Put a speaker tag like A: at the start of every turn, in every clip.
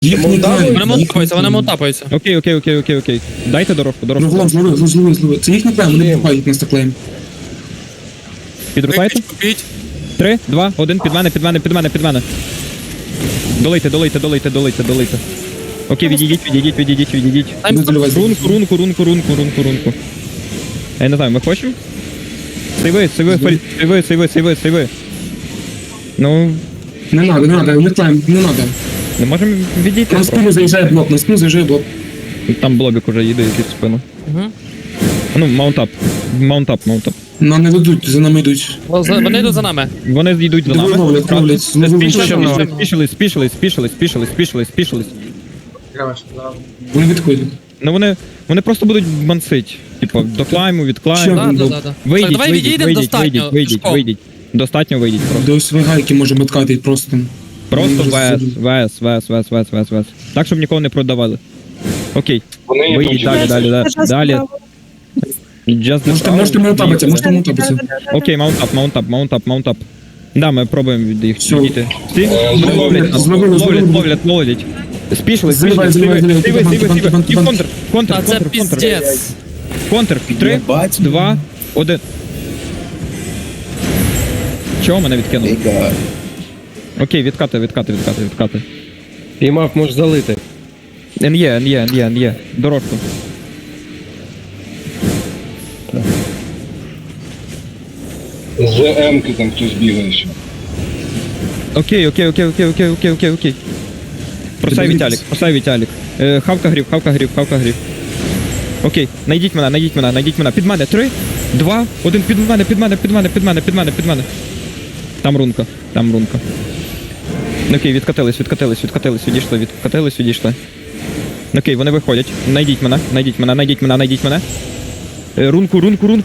A: Їх не клаємо.
B: Вони мотапаються, вони мотапаються.
C: Окей. Дайте дорожку.
A: Злови. Це їх не клаємо, вони бухають нас так клаємо.
C: Підрубайте.
B: Купіть.
C: 3, 2, 1, під мене. Долийте. Окей, відійдіть. Рунку. Я не знаю, ми хочемо? Сейви. Ну,
A: Не надо, не клаємо, не надо.
C: не можемо відійти.
A: На спину заїжджає блок,
C: Там блобік уже їде якийсь в спину.
B: Угу.
C: Ну, маунтап.
A: Нам не ведуть, за нами йдуть.
B: Вони йдуть за нами.
C: Вони йдуть за нами.
A: Ловлять.
C: Спішились.
A: Вони відходять.
C: Ну вони просто будуть мансить. Типу, до клайму, від клайму.
A: Що?
B: Да. Так, давай відійдемо достатньо.
C: Вийдіть. Достатньо вийдіть просто.
A: До свигайки можемо откатити просто.
C: Просто
A: Вони
C: ВС. Так, щоб нікого не продавали. Окей. Вийдіть далі.
A: Можете маунтапитися.
C: Окей, маунтап. Да, ми пробуємо від їх
A: Все.
C: відійти. Всі? Вони ловлять нас.
A: Зловили.
C: Ловлять. Спішились.
A: Заливай.
C: І контр.
B: А це піздець.
C: Контр. 3, 2, 1. Чого мене відкинули? Окей, відкати.
D: Піймав, можеш залити.
C: НЄ. Дорожку.
E: З М-ки там хтось бігає ще.
C: Окей. Просай Віталік. Хавка грів. Окей, найдіть мене. Під мене. 3, 2, 1, під мене. Там рунка. Окей, відкатились, відійшли. Окей, вони виходять. Найдіть мене. Рунку.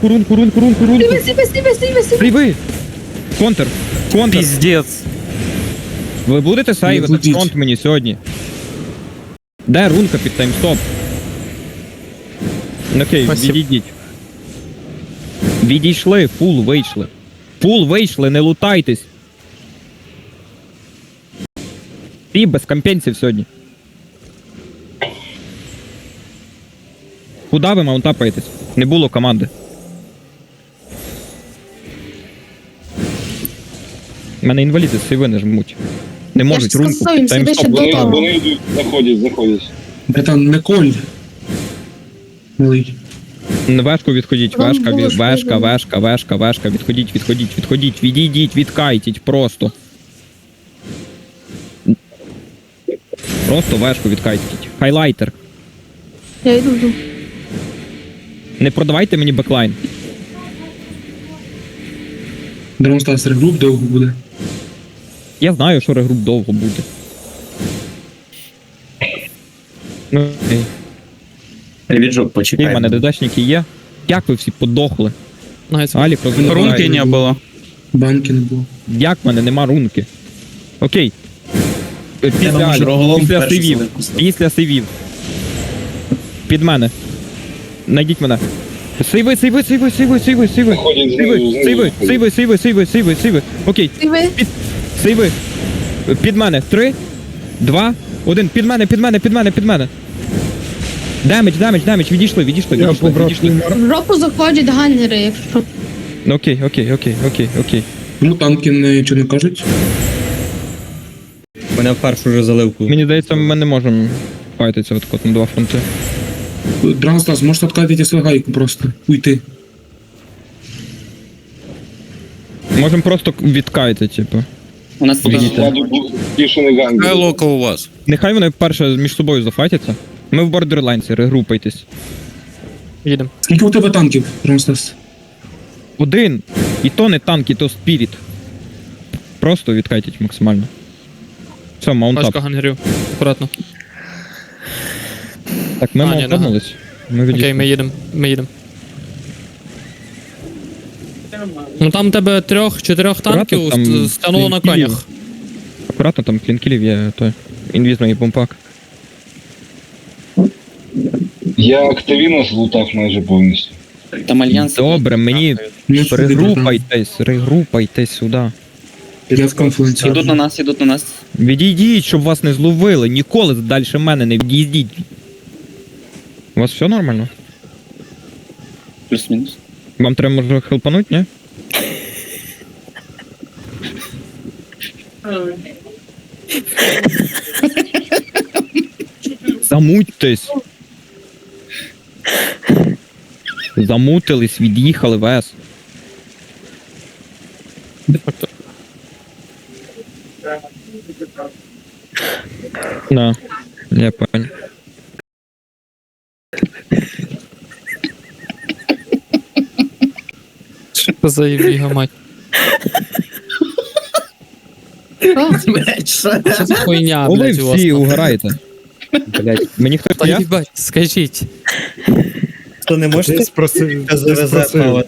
C: Стріби. Контр.
B: Піздець.
C: Ви будете сейвити
A: Будіть.
C: фронт мені сьогодні? Де рунка під таймстоп? Окей,
B: Спасибо.
C: відійдіть. Відійшли, фул вийшли, не лутайтесь. Ти без компенсів сьогодні. Куда ви маунтапаєтесь? Не було команди. У мене інваліди з сейви не жмуть. Не можуть
F: ж
C: рунку
F: сказав,
C: під
F: їм
C: таймстоп.
F: сюди ще
C: лутати.
E: Вони йдуть, заходять.
A: Братан, не коль. Малий.
C: Вешку відходіть,
F: Вам було ж
C: вешка, відходіть, відійдіть, відкайтіть, просто. Просто вешку відкайтіть. Хайлайтер.
F: Я йду.
C: Не продавайте мені беклайн.
A: Дронстас регруп довго буде.
C: Я знаю, що регруп довго буде. Ну, окей.
G: Віджок,
C: І в
G: почекай.
C: мене додачники є. Як ви всі подохли?
B: Найс.
C: Алік розмовляє.
B: Рунки не було.
A: Банки не було.
C: Як в мене нема рунки? Окей.
G: думаю, що Роголом перший
C: Сейвів.
G: заливку став.
C: Після сейвів. Під мене. Найдіть мене. Сейви.
E: Заходять
C: Сейви. Окей.
F: І ви?
C: Сейви. Під мене. 3, 2, 1. Під мене. Демедж. Відійшли.
F: В жопу заходять ганнери, якщо.
C: Окей.
A: Чому танки нічого не кажуть?
D: Мене в першу вже заливку.
C: Мені здається, ми не можемо файтитися от на два фронти.
A: Дронстас, можете откатити свигайку просто. Уйти.
C: Можемо просто відкайти, типу.
G: У нас тут
E: бішений ганг.
B: Лока у вас.
C: Нехай вони перше між собою зафайтяться. Ми в бордерлайнсі, регрупайтесь.
B: Їдемо.
A: Скільки у тебе танків, Дронстас?
C: 1. І то не танк, і то спіріт. Просто відкайтіть максимально. Все, маунтап.
B: Пачка гангерів. Акуратно.
C: Так, ми
B: А, ні,
C: маунтапнулись. Ми
B: Окей,
C: відійшли.
B: ми їдемо. Ну там тебе 3-4 танків
C: там
B: стягнуло на
C: клінкілів.
B: конях.
C: Акуратно, там клінкілів є той. Інвізний бомпак.
E: Я активіно злутав майже повністю.
G: там альянс.
C: Добре, мені
A: Не сюди, братан.
C: регрупайтесь сюди.
A: Я в конфлікті.
G: Ідуть на нас, ідуть на нас.
C: Відійдіть, щоб вас не зловили. Ніколи далі мене не відійдіть. У вас все нормально?
G: Плюс-мінус.
C: Вам треба, може, хелпануть, ні? Замутьтесь. Замутились, від'їхали вес. Да, я понял.
B: Що це за їбіга, мать?
F: Що?
B: Що за хуйня,
C: О, ви
B: блядь, у вас?
C: всі угораєте. Блять, мені хтось
B: Та
C: я?
B: їбать, скажіть.
D: То не можете завезе.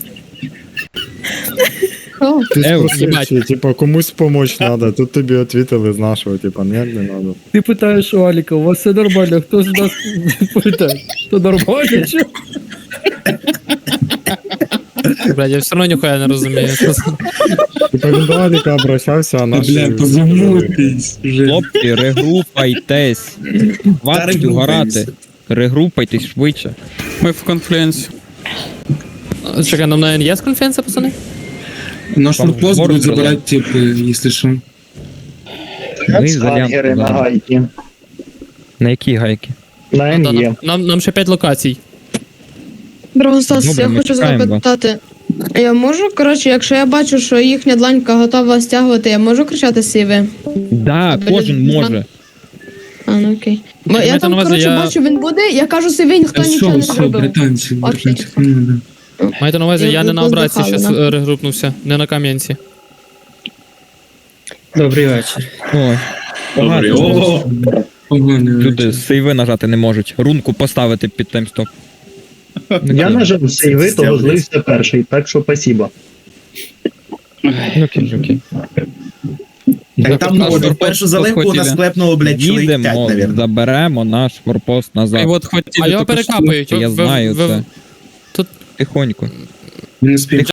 F: Що?
H: Ти
C: Ев,
H: спросив, чи, типа, комусь помочь надо, тут тобі відповіли з нашого, типа, ні, не надо.
I: Ти питаєш у Аліка, у вас все нормально, хто з нас відповідає? То нормально, чи?
B: Блядь, я все одно ніхуя не розумію. Що це?
H: Типа, він до Аліка обращався, а
A: Та,
H: наші...
A: бля, позамутись вже.
C: Хлопці, регрупайтесь. Хватить угорати. Регрупайтесь швидше.
B: Ми в конфлікті. Чекай, нам на є конференція, пацани?
A: Наш
C: Там
A: форпост
C: город
A: будуть забирати, типу, якщо що.
C: Ви за На які гайки?
B: Нам ще 5 локацій.
F: Драгостас,
C: Добре,
F: я
C: ми
F: хочу
C: чекаємо вас.
F: запитати. Я можу, коротше, якщо я бачу, що їхня дланька готова стягувати, я можу кричати сіви?
C: Да,
F: Блін,
C: кожен може.
F: А, ну окей. Бо я
B: маєте
F: там,
B: на увазі,
F: коротше,
B: я-
F: бачу, він буде, я кажу сиві, ніхто
A: Та
F: нічого
A: що,
F: не
A: все,
F: зробив.
A: британці,
F: Окей.
A: британці. Ну, да.
B: Маєте на увазі, я не на обратці
F: Виздихали,
B: зараз
F: да.
B: регрупнувся, не на кам'янці.
D: Добрий вечір.
C: Ой.
G: Добре. О,
A: Поганий
C: Люди
A: вечір.
C: сейви нажати не можуть. Рунку поставити під таймстоп.
J: Я нажав сейви, то злився перший, так що спасибо.
C: Ну, окей.
D: Так там
C: Форпост
D: першу заливку у нас
C: хотіли.
D: клепнуло, блядь, чоловік 5,
C: Їдемо,
D: навірно.
C: заберемо наш форпост назад.
B: А його перекапують.
C: Я знаю це. Тихонько.
A: Він не спів.